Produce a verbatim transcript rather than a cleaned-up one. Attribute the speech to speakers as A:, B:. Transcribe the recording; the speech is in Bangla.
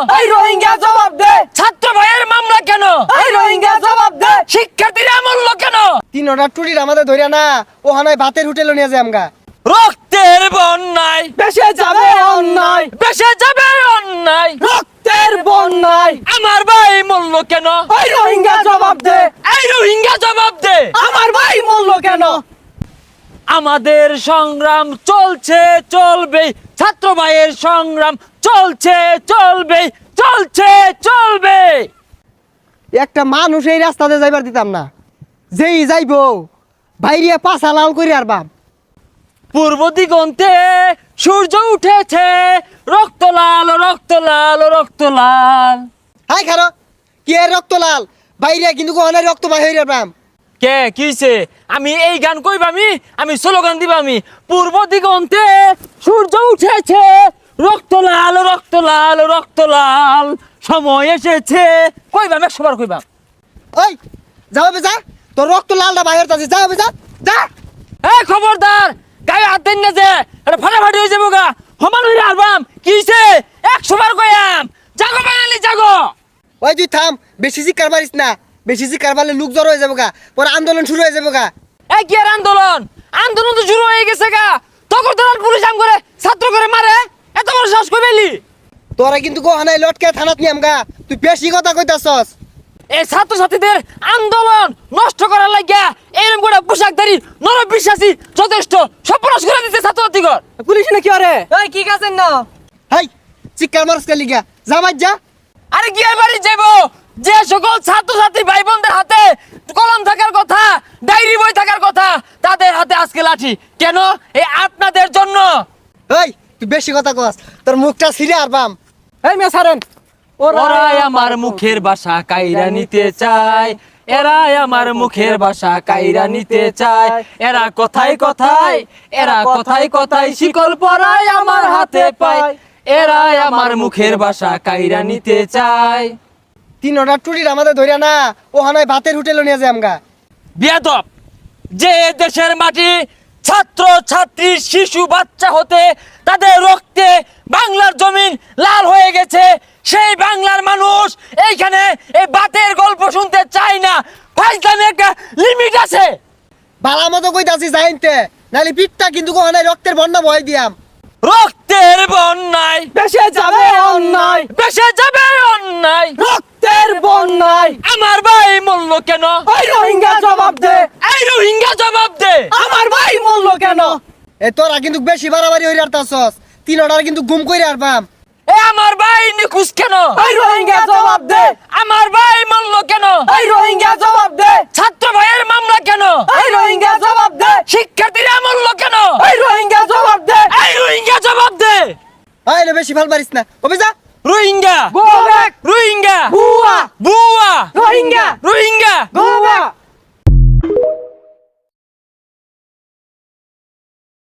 A: এই রোহিঙ্গা জবাব দে।
B: ছাত্র ভাইয়ের মামলা কেন?
A: এই রোহিঙ্গা জবাব দে।
B: শিক্ষার্থীরা মূল্য কেন?
C: তিন অর্ডার টুরির আমাদের ধরিয়া না ও হানায় ভাতের হোটেলে নিয়ে যায় আমগা।
B: রক্তের বন্যায়
A: বেশে যাবে অন্যায়,
B: বেসে যাবে অন্যায়।
A: রক্তের বন্যায়
B: আমার ভাই মূল্য কেন?
A: এই রোহিঙ্গা জবাব দে।
B: এই রোহিঙ্গা জবাব দে।
A: আমার ভাই মূল্য কেন?
B: আমাদের সংগ্রাম চলছে চলবে, ছাত্র ভাইয়ের সংগ্রাম চলছে চলবে, চলছে চলবে।
C: একটা মানুষ এই রাস্তাতে যাইবার দিতাম না, যেই যাইবো বাইরিয়া পাছা লাল করি আর বাপ।
B: পূর্ব দিগন্তে সূর্য উঠেছে, রক্ত লাল রক্ত লাল রক্ত লাল।
C: হাই খারো কি এর রক্ত লাল বাইরিয়া কিন্তু কোহানায় রক্ত বাই হইরা বাম।
B: কে কিছে? আমি এই গান কইবামি, আমি স্লোগান দিবামি। পূর্ব দিগন্তে সূর্য উঠেছে, রক্ত লাল রক্ত লাল রক্ত লাল, সময় এসেছে। কইবাম, একশো বার কইবাম।
C: ওই যাও বে যা, তোর রক্ত লালটা বাইরে আছে, যাও বে যা যা।
B: এই খবরদার, গায়ে হাত দেন না যে, এটা ফাটাফাটি হয়ে যাবো গা। সমান হইরা আলবাম কিছে? একশো বার কইয়াম। জাগো বাঙালি জাগো।
C: ওই তুই থাম, বেশি চিৎকার মারিস না, বেশি চিৎকার মারলে লোক জড়ো হয়ে যাবো গা, পরে আন্দোলন শুরু হয়ে যাবো গা।
B: এই কি আর আন্দোলন? আন্দোলন তো শুরু হয়ে গেছে গা। তখন তো পুলিশ আম করে ছাত্র করে মারে, এত বড় সাহস কই পেলি?
C: তোরা কিন্তু কোহানায় লটকে থানাত নিয়াম গা, তুই বেশি কথা কইতাছস।
B: এই ছাত্র ছাত্রীদের আন্দোলন নষ্ট করার লাগিয়া এরকম করে পোশাকধারী নর বিশ্বাসী যথেষ্ট সর্বনাশ করে দিতে ছাত্র ছাত্রীগণ।
A: পুলিশ না কি আরে? এই কি কাছেন না?
C: হাই চিৎকার মারস কে লিগা, যা বাজ যা।
B: আরে কি আর বাড়ি যাবো? যে সকল ছাত্র ছাত্রী ভাই বোনদের হাতে কলম থাকার কথা, ডায়েরি বই থাকার কথা, তাদের হাতে আজকে লাঠি কেন? এই আপনাদের জন্য।
C: এই তুই বেশি কথা কস, তোর মুখটা ছিঁড়ে আর বাম।
A: এই মেয়ে ছাড়েন।
B: ওরাই আমার মুখের ভাষা কাইরা নিতে চায়, এরাই আমার মুখের ভাষা কাইরা নিতে চায়। এরা কথায় কথায়, এরা কথায় কথায় শিকল পরায় আমার হাতে পায়। এরাই আমার মুখের ভাষা কাইরা নিতে চায়।
C: তিন অর্ডার টুরির আমাদের ধরিয়া না ও হানায় ভাতের হোটেলে নিয়ে যায় আমগা।
B: বেয়াদব, যে দেশের মাটি ছাত্র ছাত্রী শিশু বাচ্চা হতে তাদের রক্তে বাংলার জমিন লাল হয়ে গেছে, সেই বাংলার মানুষ এইখানে এই বাতের গল্প শুনতে চায় না। ফাইজলামে একটা লিমিট আছে।
C: বালা মতো কইতাছি যাইনতে, নালি পিঠটা কিন্তু কোহানায় রক্তের বন্যা বয় দিয়াম।
B: রক্তের বন্যায়
A: বেশে যাবে অন্যায়,
B: বেসে যাবে অন্যায়।
A: রক্তের বন্যায়
B: আমার ভাই মূল্য কেন?
A: এই রোহিঙ্গা জবাব দে।
B: এই রোহিঙ্গা জবাব দে।
A: আমার ভাই মূল্য কেন?
C: এ তোরা কিন্তু বেশি বাড়াবাড়ি হইরে আরতাছস, তিন অর্ডার কিন্তু গুম কইরে আর বাম।
B: এ আমার ভাই নিখুঁজ কেন?
A: এই রোহিঙ্গা জবাব দে।
B: আমার ভাই মূল্য কেন?
A: এই রোহিঙ্গা জবাব দে।
B: ছাত্র ভাইয়ের মামলা কেন?
A: এই রোহিঙ্গা জবাব দে।
B: শিক্ষার্থীরা মূল্য কেন?
A: এই রোহিঙ্গা জবাব দে।
B: এই রোহিঙ্গা জবাব দে।
C: আইলে বেশি ভাল পারিস না, ওবে যা।
B: Rohingya
A: Go back.
B: রোহিঙ্গা
A: বুয়া
B: বুয়া
A: রোহিঙ্গা
B: রোহিঙ্গা
A: Go back.